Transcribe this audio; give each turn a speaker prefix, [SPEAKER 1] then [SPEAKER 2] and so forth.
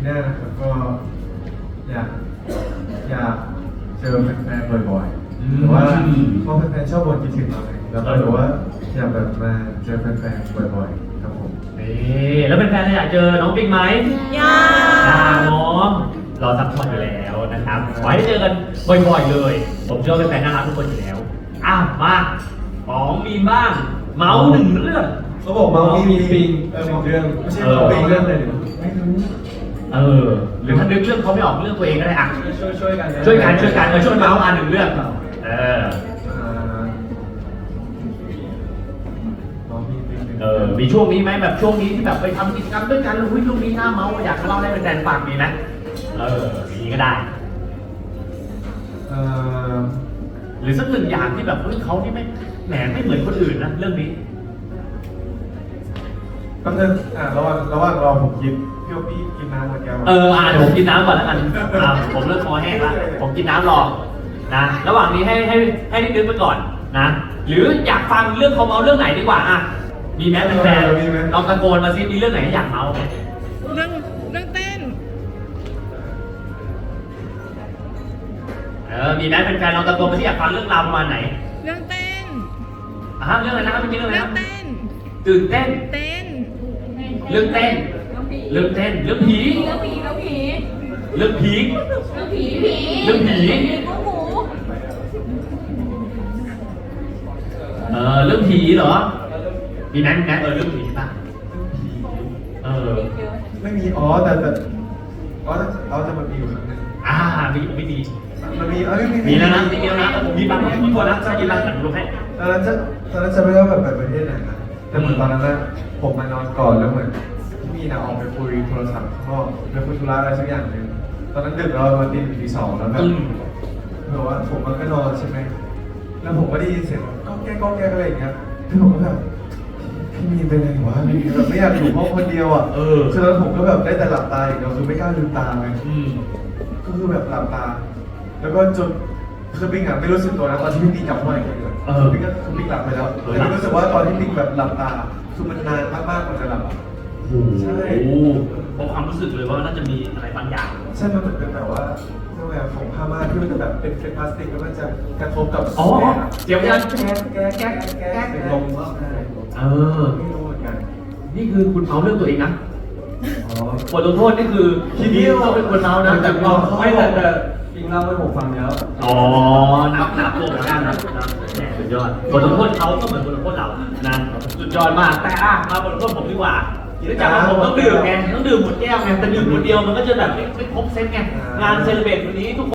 [SPEAKER 1] หน้านะครับก็อยากเจอแฟนๆบ่อยๆแต่ว่าเพราะแฟนๆชอบบ่นคิดถึงเราไงแล้วก็รู้ว่าอยากแบบมาเจอแฟนๆบ่อยๆครับผม
[SPEAKER 2] นี่แล้วเป็นแฟนๆอยากเจอน้องปิ๊กไหม
[SPEAKER 3] อยาก
[SPEAKER 2] น้องรอซัพพอร์ตอยู่แล้วนะครับขอให้ได้เจอกันบ่อยๆเลย ผมเชื่อว่าเป็นแฟนน่ารักทุกคนอยู่แล้วมาของมีนบ้างเมาส์หนึ่งเรื่อง
[SPEAKER 1] เขาบอกมามีปิงเรื่องไม่ใช่ปิงเรื่องอะไรไม่รู้
[SPEAKER 2] หรือถ้านึกเรื่องเขาไม่ออกเรื่องตัวเองก็ได้อ่ะ
[SPEAKER 1] ช่วยกัน
[SPEAKER 2] ช่วยเมาส์มาหนึ่งเรื่องมีช่วงนี้ไหมแบบช่วงนี้ที่แบบไปทำกิจกรรมด้วยกันช่วงนี้หน้าเมาส์อยากเล่าให้เป็นแฟนฟังมีไหมมีก็ได้หรือสักหนึ่งอย่างที่แบบเขาที่ไม่แหมไม่เหมือนคนอื่นนะเรื่องนี้
[SPEAKER 1] ก็คือระหว่างรอผมกินพี่กินน้ำหมดแก้ว
[SPEAKER 2] เดี๋ยวผมกินน้ำก่อนแล้วกันผมเริ่มคอแห้งแล้วผมกินน้ำรอนะระหว่างนี้ให้นึกไปก่อนนะหรืออยากฟังเรื่องเขาเมาเรื่องไหนดีกว่ามีแม้เป็นแฟนลองตะโกนมาซิมีเรื่องไหนอยากเมาไหม
[SPEAKER 3] เรื่องเต้น
[SPEAKER 2] มีแม้เป็นแฟนลองตะโกนมาที่อยากฟังเรื่องราวประมาณไหน
[SPEAKER 3] เรื่องเต้น
[SPEAKER 2] เรื่องอะไรนะครับไม่มีเรื่องอะไรนะ
[SPEAKER 3] เต้น
[SPEAKER 2] ตื่นเต้นเรื่องเต้น
[SPEAKER 3] เรื่องผี
[SPEAKER 2] เรื่องผีเรื่องผีเรื่องผีเรื่องผีเหรอมีแม้เรื่องผีป่ะ
[SPEAKER 1] ไม่มีแต่จะมันมีอยู่ครั้งนึง
[SPEAKER 2] ไม่ดี
[SPEAKER 1] มันมี
[SPEAKER 2] มีแล้วนะผมมีบางคนนะจะกินร้านขนมให้
[SPEAKER 1] ตอนนั้นจะไม่ได้แบบไปประเทศไหนนะแต่เหมือนตอนนั้นนะผมมานอนก่อนแล้วเหมือนพี่มีนะออกไปคุยโทรศัพท์ข้างนอกไปคุยธุระอะไรสักอย่างหนึ่งตอนนั้นดึกแล้ววันตีสองแล้วแบบว่าผมก็นอนใช่ไหมแล้วผมก็ได้ยินเสียงก้องแก้อะไรอย่างเงี้ยพี่ผมก็แบบพี่มีเป็นอะไรวะพี่แบบไม่อยากอยู่ห้องคนเดียวคือตอนผมก็แบบได้แต่หลับตาอย่างเดียวคือไม่กล้าลืมตาเลยก็คือแบบหลับตาแล้วก็จนคือปิ๊งไม่รู้สึกตัวนะตอนที่ปิ๊งจับห้อยเลยปิ๊งก็คือปิ๊งหลับไปแล้วแต่ปิ๊งรู้สึกว่าตอนที่ปิ๊งแบบหลับตาคือมันนานมากๆกว่าจะหลับใช่
[SPEAKER 2] พอความรู้สึกเลยว่าน่าจะมีอะไรบางอย่าง
[SPEAKER 1] ใช่มันเหมือนเป็นแบบว่าแบบของผ้าม่านที่มันจะแบบเป็นพลาสติกแล้วมันจะกระทบกับ
[SPEAKER 2] เดี๋ยวยัน
[SPEAKER 1] แก๊ลงมากไม่รู้เหมือนกัน
[SPEAKER 2] นี่คือคุณเมาเรื่องตัวเองนะบทลงโทษนี่คือทีนี้เราเป็นคนเมานะแต่เรา
[SPEAKER 1] ไม่แต่จริงเล่าให้ผมฟังแล้ว
[SPEAKER 2] นับตัวเหมือนกันนะสุดยอดบทลงโทษเขาก็เหมือนบทลงโทษเรานะสุดยอดมากแต่มาบทลงโทษผมดีกว่าจากผมต้องดื่มไงต้องดื่มหมดแก้วไงแต่ดื่มคนเดียวมันก็จะแบบไม่ครบเซตไงงานเซเลบรตวันนี้ทุก